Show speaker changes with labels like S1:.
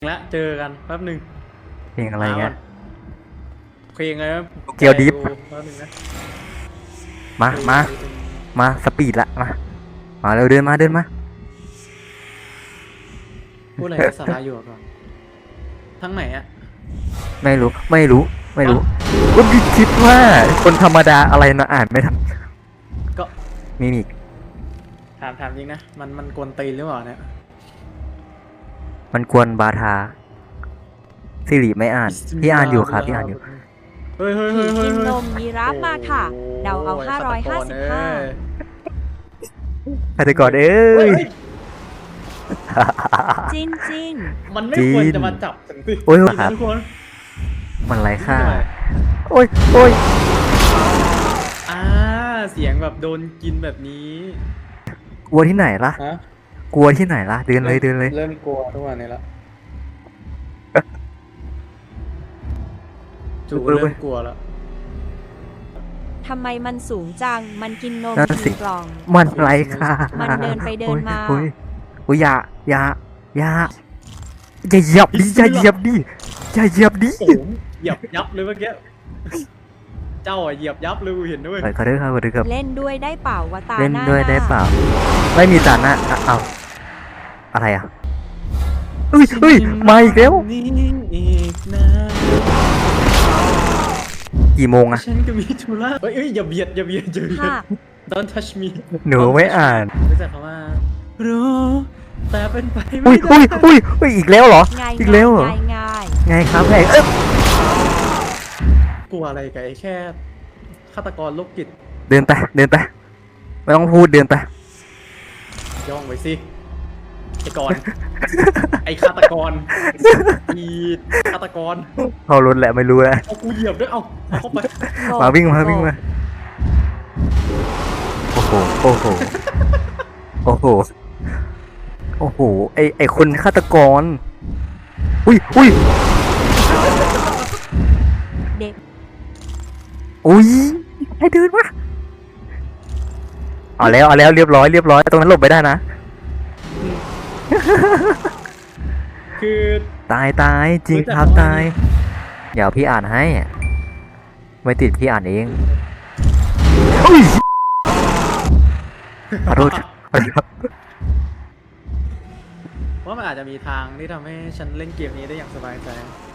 S1: ละเจอกันแป๊บหนึ่ง
S2: เพลงอะไรเงี้ย
S1: เพลงอะไรนะ
S2: เกียวดิฟ
S1: แป๊บหนึ่งนะ
S2: มาสปีดละมาเร็วเดินมา
S1: พูดอะไรสาระอยู่ก่อนทั้งไหนอะ
S2: ไม่รู้ก็คิดว่าคนธรรมดาอะไรนะอ่านไม่ทัน
S1: ก็
S2: มิมิก
S1: ถามจริงนะมันกวนตีนหรือเปล่าเนี่ย
S2: มันกวนบาทาสิริไม่อ่านพี่อ่านอยู่ครับพี่อ่านอยู่
S1: เฮ้ย
S3: ผีกินนมยีราฟมาค่ะเดาเอา555
S2: ฆาตกรเอ้ย
S3: จิน
S1: มันไม่ควรจะมาจับถึงสิ
S2: โอ้ย
S1: ทุกคน
S2: มันไรค่าโอ้ย
S1: เสียงแบบโดนกินแบบนี้
S2: กลัวที่ไหนล่ะ
S1: ฮะ
S2: กลัวที่ไหนล่ะเดินเลย
S1: เริ่มกลัวทุกวันนี้ละจูเริ่มกลัวแล้ว
S3: ทำไมมันสูงจังมันกินนมกี่กล่อง
S2: มันไรค่ามัน
S3: เดินไปเดินมา
S2: โอ้ยอย่าเหยียบดิอย่าเหยียบดิ
S1: โอ้เหยียบยับเลยเมื่อกี้เจ้าเหยียบยับเลยกูเห็นด้วย
S2: ขอโทษครับ
S3: เล่นด้วยได้เปล่าวะตาหน้า
S2: เล่นด้วยได้เปล่าไม่มีตาหน้าเอาอะไรอ่ะเฮ้ยมาอีกแล้วกี่โมงอะ
S1: ฉันก็มีธุระเฮ้ยอย่าเบียดDon't touch me
S2: หนูไม่อ่าน
S1: รู้จักคำว่ารู้แต่เป็นไปไม่ได้
S2: อุ้ยอีกแล้วเหรออีกแล้วเหรอไงครับไง
S1: กลัวอะไรกันแค่ฆาตกรโรคจิต
S2: เดินไปไม่ต้องพูดเดินไป
S1: ย่องไปสิไอ้กรไอ้ฆาตกรอีฆาตกร
S2: เขาลุ้นแหละไม่รู้นะ
S1: เอากูเหยียบด้วยเอาเข้าไป
S2: มาวิ่งมาโอ้โหไอคนฆาตกรอุ้ย
S3: เด็ก
S2: ให้เดินวะเอาแล้วเรียบร้อยตรงนั้นหลบไปได้นะ
S1: คือ
S2: ตายจริงครับตายเดี๋ยวพี่อ่านให้ไม่ติดพี่อ่านเองขอโทษ
S1: ว่ามันอาจจะมีทางที่ทำให้ฉันเล่นเกมนี้ได้อย่างสบายใจ